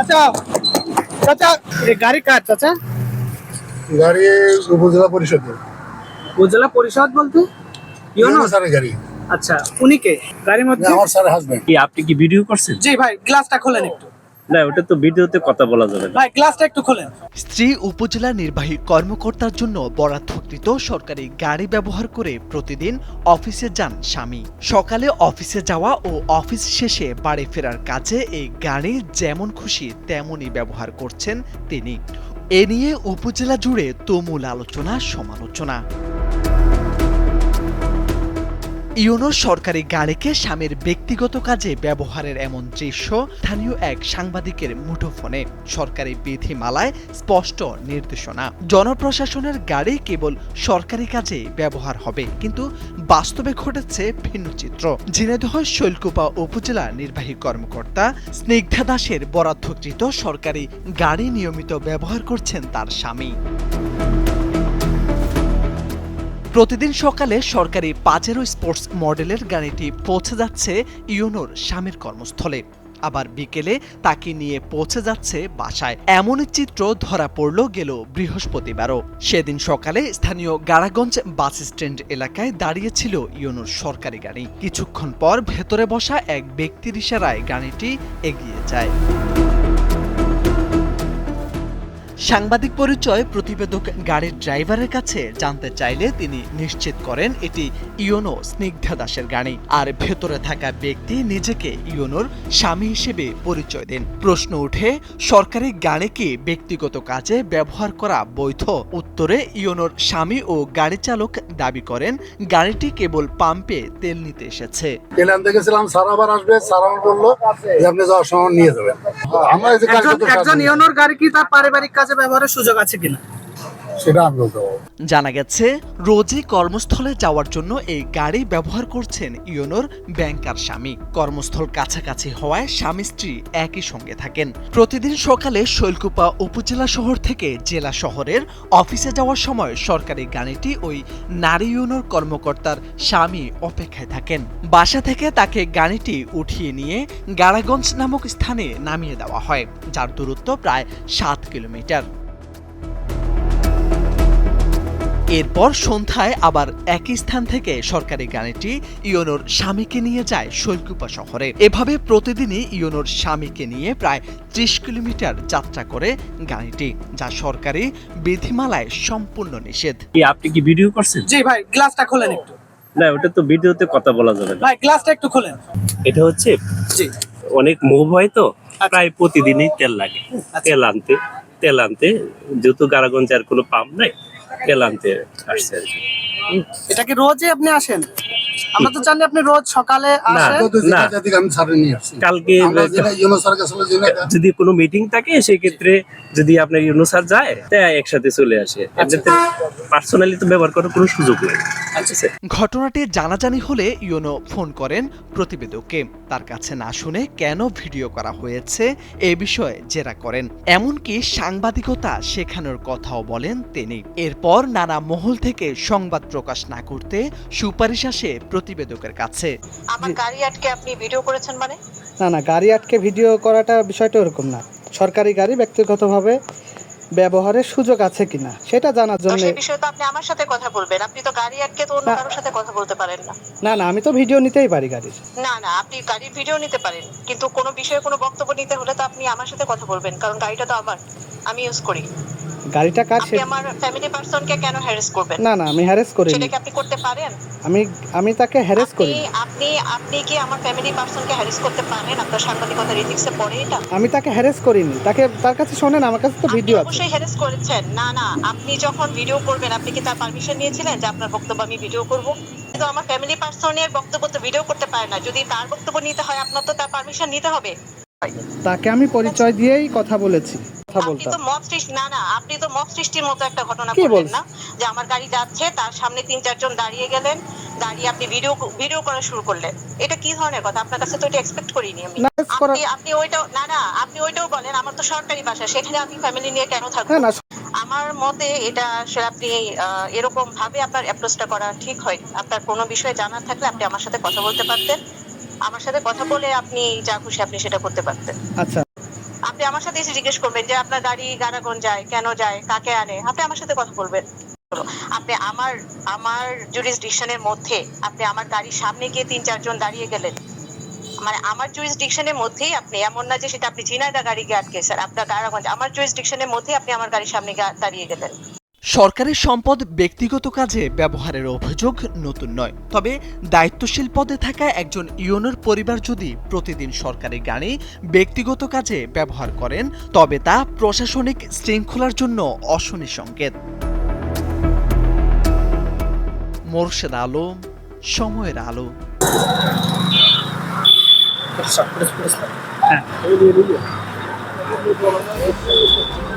চাচা চাচা এই গাড়ি কার চাচা? গাড়ি উপজেলা পরিষদের। উপজেলা পরিষদ বলতে ইউনো স্যারের গাড়ি। আচ্ছা, উনি কে গাড়ির মধ্যে? আমার স্যারের হাজবেন্ড। কি আপনি কি ভিডিও করছেন? জি ভাই, গ্লাসটা খোলেন একটু। না, ওটা তো ভিডিওতে কথা বলা যাবে না। ভাই গ্লাসটা একটু খোলেন। স্ত্রী উপজেলা নির্বাহী কর্মকর্তার জন্য বরাদ্দকৃত সরকারি গাড়ি ব্যবহার করে প্রতিদিন অফিসে যান স্বামী। সকালে অফিসে যাওয়া ও অফিস শেষে বাড়ি ফেরার কাজে এই গাড়ি যেমন খুশি তেমনই ব্যবহার করছেন তিনি। এ নিয়ে উপজেলা জুড়ে তুমুল আলোচনা সমালোচনা। ইউনোর সরকারি গাড়িকে স্বামীর ব্যক্তিগত কাজে ব্যবহারের এমন দৃশ্য স্থানীয় এক সাংবাদিকের মুঠোফোনে। সরকারি বিধিমালায় স্পষ্ট নির্দেশনা, জনপ্রশাসনের গাড়ি কেবল সরকারি কাজে ব্যবহার হবে, কিন্তু বাস্তবে ঘটেছে ভিন্ন চিত্র। ঝিনাইদহ শৈলকুপা উপজেলা নির্বাহী কর্মকর্তা স্নিগ্ধা দাসের বরাদ্দকৃত সরকারি গাড়ি নিয়মিত ব্যবহার করছেন তার স্বামী। প্রতিদিন সকালে সরকারি পাজেরো স্পোর্টস মডেলের গাড়িটি পৌঁছে যাচ্ছে ইউনোর স্বামীর কর্মস্থলে, আবার বিকেলে তাকে নিয়ে পৌঁছে যাচ্ছে বাসায়। এমনই চিত্র ধরা পড়ল গেল বৃহস্পতিবারও। সেদিন সকালে স্থানীয় গাড়াগঞ্জ বাস স্ট্যান্ড এলাকায় দাঁড়িয়েছিল ইউনোর সরকারি গাড়ি। কিছুক্ষণ পর ভেতরে বসা এক ব্যক্তির ইশারায় গাড়িটি এগিয়ে যায়। সাংবাদিক পরিচয় প্রতিবেদক গাড়ির ড্রাইভারের কাছে জানতে চাইলে তিনি নিশ্চিত করেন এটি ইউনো স্নিগ্ধা দাসের গাড়ি, আর ভেতরে থাকা ব্যক্তি নিজেকে ইউনোর স্বামী হিসেবে পরিচয় দেন। প্রশ্ন উঠে, সরকারি গাড়ি কি ব্যক্তিগত কাজে ব্যবহার করা বৈধ? উত্তরে ইউনোর স্বামী ও গাড়ি চালক দাবি করেন গাড়িটি কেবল পাম্পে তেল নিতে এসেছে। তেল আনতে গেছিলাম, স্যার আবার আসবে, স্যার আমার বললো যে আপনি যাওয়ার সময় নিয়ে যাবেন। আমরা এই যে একজন ইউনোর গাড়ি কি তার পারিবারিক কাজে ব্যবহারের সুযোগ আছে কিনা সেটা আমি বলতে পারবো। জানা গেছে রোজই কর্মস্থলে যাওয়ার জন্য এই গাড়ি ব্যবহার করছেন ইউনোর ব্যাংকার স্বামী। কর্মস্থল কাছাকাছি হওয়ায় স্বামী স্ত্রী একই সঙ্গে থাকেন। প্রতিদিন সকালে শৈলকুপা উপজেলা শহর থেকে জেলা শহরের অফিসে যাওয়ার সময় সরকারি গাড়িটি ওই নারী ইউনোর কর্মকর্তার স্বামী অপেক্ষায় থাকেন। বাসা থেকে তাকে গাড়িটি উঠিয়ে নিয়ে গাড়াগঞ্জ নামক স্থানে নামিয়ে দেওয়া হয়, যার দূরত্ব প্রায় 7 কিলোমিটার। এরপর সন্ধ্যায় আবার একই স্থান থেকে সরকারি গাড়িটি ইউনোর স্বামীকে নিয়ে যায় শৈলকুপা শহরে। এভাবে প্রতিদিনই ইউনোর স্বামীকে নিয়ে প্রায় 30 কিলোমিটার যাত্রা করে গাড়িটি, যা সরকারি বিধিমালায় সম্পূর্ণ নিষেধ। কি আপনি কি ভিডিও করছেন? জি ভাই, গ্লাসটা খোলেন একটু। না, ওটা তো ভিডিওতে কথা বলা যাবে না। ভাই গ্লাসটা একটু খোলেন। এটা হচ্ছে জি অনেক মুভ হয় তো, প্রায় প্রতিদিনই তেল লাগে। তেল আনতে যেহেতু গাড়াগঞ্জ আর কোনো পাম্প নাই, তেল আনতে আসছে আর কি। এটা কি রোজই আপনি আসেন? আমরা তো জানি আপনি রোজ সকালে আসেন। না। আমি স্যারের নিয়ে আসছি। কালকে আমরা যেটা ইউনো স্যারের কাছে যদি কোনো মিটিং থাকে সেই ক্ষেত্রে যদি আপনার ইউনো স্যার যায় তাই একসাথে চলে আসে। এমনিতে পার্সোনালি তো ব্যবহার করার কোনো সুযোগ নেই। ঘটনাটি জানাজানি হলে ইউনো ফোন করেন প্রতিবেদককে। তার কাছে না শুনে কেন ভিডিও করা হয়েছে এ বিষয়ে জেরা করেন, এমনকি সাংবাদিকতা শেখানোর কথাও বলেন তিনি। এরপর নানা মহল থেকে সংবাদ প্রকাশ না করতে সুপারিশ আসে প্রতিবেদকের কাছে। আমার গাড়ি আটকে আপনি ভিডিও করেছেন মানে? না, গাড়ি আটকে ভিডিও করাটা বিষয়টা ওরকম না। সরকারি গাড়ি ব্যক্তিগতভাবে ব্যবহারের সুযোগ আছে কিনা সেটা জানার জন্য। সেই বিষয়ে তো আপনি আমার সাথে কথা বলবেন। আপনি তো গাড়ি আটকে তো অন্য কারোর সাথে কথা বলতে পারেন না। না, আমি তো ভিডিও নিতেই পারি গাড়ির। না, আপনি গাড়ির ভিডিও নিতে পারেন, কিন্তু কোনো বিষয়ে কোনো বক্তব্য নিতে হলে তো আপনি আমার সাথে কথা বলবেন, কারণ গাড়িটা তো আমার, আমি ইউজ করি। গাড়িটা কার? আপনি আমার ফ্যামিলি পারসনকে কেন হ্যারাস করবেন? না, আমি হ্যারাস করিনি। সেটা কি আপনি করতে পারেন? আমি তাকে হ্যারাস করি। আপনি কি আমার ফ্যামিলি পারসনকে হ্যারাস করতে পারেন? আপনার সাংবাদিকতার এথিক্সে পড়ে এটা? আমি তাকে হ্যারাস করিনি। তার কাছে শোনেন, আমার কাছে তো ভিডিও আছে। অবশ্যই হ্যারাস করেছেন। না, আপনি যখন ভিডিও করবেন আপনি কি তার পারমিশন নিয়েছিলেন যে আপনার বক্তব্য আমি ভিডিও করব? কিন্তু আমার ফ্যামিলি পারসনের বক্তব্য তো ভিডিও করতে পারে না। যদি তার বক্তব্য নিতে হয় আপনার তো তার পারমিশন নিতে হবে। তাকে আমি পরিচয় দিয়েই কথা বলেছি। আপনি তো মব সৃষ্টির মতো একটা ঘটনা করলেন না, যে আমার গাড়ি যাচ্ছে তার সামনে 3-4 জন দাঁড়িয়ে গেলেন, দাঁড়িয়ে আপনি ভিডিও করা শুরু করলেন। এটা কি ধরনের কথা? আপনার কাছে তো এটা এক্সপেক্ট করিনি আমি। আপনি ওইটাও বলেন আমার তো সরকারি বাসা, সেখানে আমি ফ্যামিলি নিয়ে কেন থাকবো? আমার মতে এটা আসলে আপনি এরকম ভাবে আপনার অ্যাপ্রোচটা করা ঠিক হয়। আপনার কোনো বিষয়ে জানার থাকলে আপনি আমার সাথে কথা বলতে পারতেন। আমার সাথে কথা বলে আপনি যা খুশি আপনি সেটা করতে পারতেন। আচ্ছা, আপনি আপনি আমার সাথে এসে জিজ্ঞেস করবেন যে আপনার গাড়ি গাড়াগঞ্জ যায়, কেন যায়, কাকে আনে, আপনি আমার সাথে কথা বলবেন। আপনি আমার জুরিসডিকশনের মধ্যে আপনি আমার গাড়ির সামনে গিয়ে ৩-৪ জন দাঁড়িয়ে গেলেন, মানে আমার জুরিসডিকশনের মধ্যেই আপনি, এমন না যে সেটা আপনি ঝিনাইদহ গাড়ি গিয়ে আটকে, স্যার আপনার গাড়াগঞ্জ, আমার জুরিসডিকশনের মধ্যেই আপনি আমার গাড়ির সামনে গিয়ে দাঁড়িয়ে গেলেন। সরকারি সম্পদ ব্যক্তিগত কাজে ব্যবহারের অভিযোগ নতুন নয়, তবে দায়িত্বশীল পদে থাকা একজন ইউনোর পরিবার যদি প্রতিদিন সরকারি গাড়ি ব্যক্তিগত কাজে ব্যবহার করেন তবে তা প্রশাসনিক শৃঙ্খলার জন্য অশনি সংকেত। মোরশেদ আলম, সময়ের আলো। হ্যাঁ